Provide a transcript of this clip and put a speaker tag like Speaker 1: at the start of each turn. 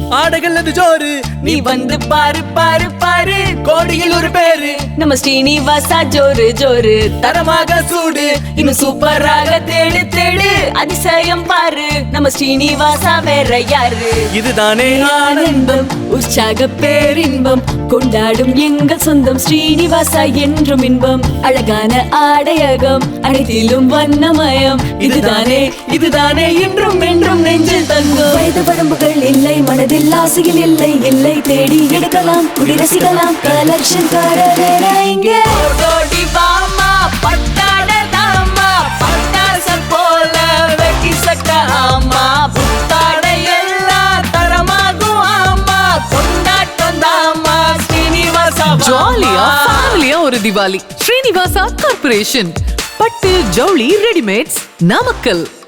Speaker 1: ஆடைகள் அது ஜோரு,
Speaker 2: நீ வந்து பாரு பாரு பாரு,
Speaker 1: கோடியில் ஒரு பேரு
Speaker 2: நம்ம ஸ்ரீனிவாசா ஜோரு ஜோரு,
Speaker 1: தரமாக சூடு
Speaker 2: இன்னும் சூப்பராக தேடு தேடு, அதிசயம் பாரு நம்ம ஸ்ரீனிவாசா வேற யாரு.
Speaker 1: இதுதானே
Speaker 2: ஆனந்தம் உற்சாக பேரின்பம் கொண்டாடும் எங்கள் சொந்தம் ஸ்ரீனிவாசா என்றும் இன்பம். அழகான ஆடையகம் அனைத்திலும் வண்ணமயம், இதுதானே இதுதானே என்றும் என்றும் நெஞ்சில் தங்கும். வயது வரம்புகள் இல்லை, மனதில் ஆசையில் இல்லை இல்லை, தேடி எடுக்கலாம் குடி ரசிக்கலாம், கலெக்ஷன் காரரே இங்கே. ஓடோடி வாமா பட்டாட தாமா, பட்டாசம் போல வெட்டி சட்ட ஆமா, புத்தாடை எல்லாம் தரமாகும் ஆமா, கொண்டாட்டம் தாமா ஸ்ரீனிவாசா.
Speaker 3: ஜாலியா ஃபேமிலியா ஒரு திவாலி. ஸ்ரீனிவாசா கார்ப்பரேஷன், பட்டு ஜவுளி ரெடிமேட்ஸ், நாமக்கல்.